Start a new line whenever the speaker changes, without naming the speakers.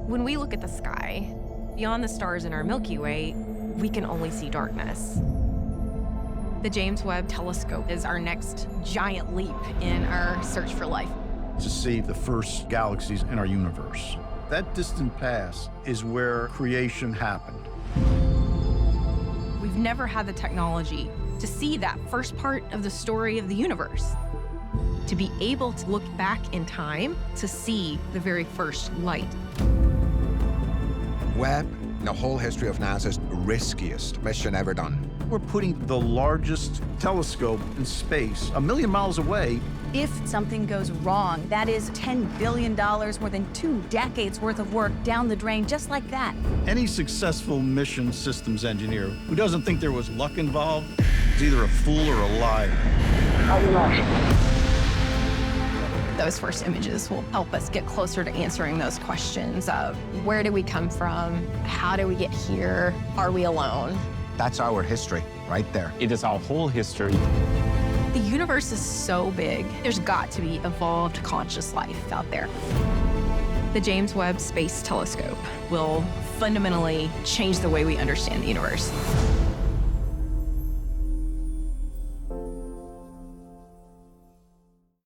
When we look at the sky, beyond the stars in our Milky Way, we can only see darkness. The James Webb Telescope is our next giant leap in our search for life.
To see the first galaxies in our universe. That distant past is where creation happened.
We've never had the technology to see that first part of the story of the universe. To be able to look back in time to see the very first light.
Webb, in the whole history of NASA's riskiest mission ever done.
We're putting the largest telescope in space, 1 million miles away.
If something goes wrong, that is $10 billion, more than 2 decades worth of work down the drain, just like that.
Any successful mission systems engineer who doesn't think there was luck involved is either a fool or a liar.
Those first images will help us get closer to answering those questions of where did we come from? How did we get here? Are we alone?
That's our history, right there.
It is our whole history.
The universe is so big, there's got to be evolved conscious life out there. The James Webb Space Telescope will fundamentally change the way we understand the universe.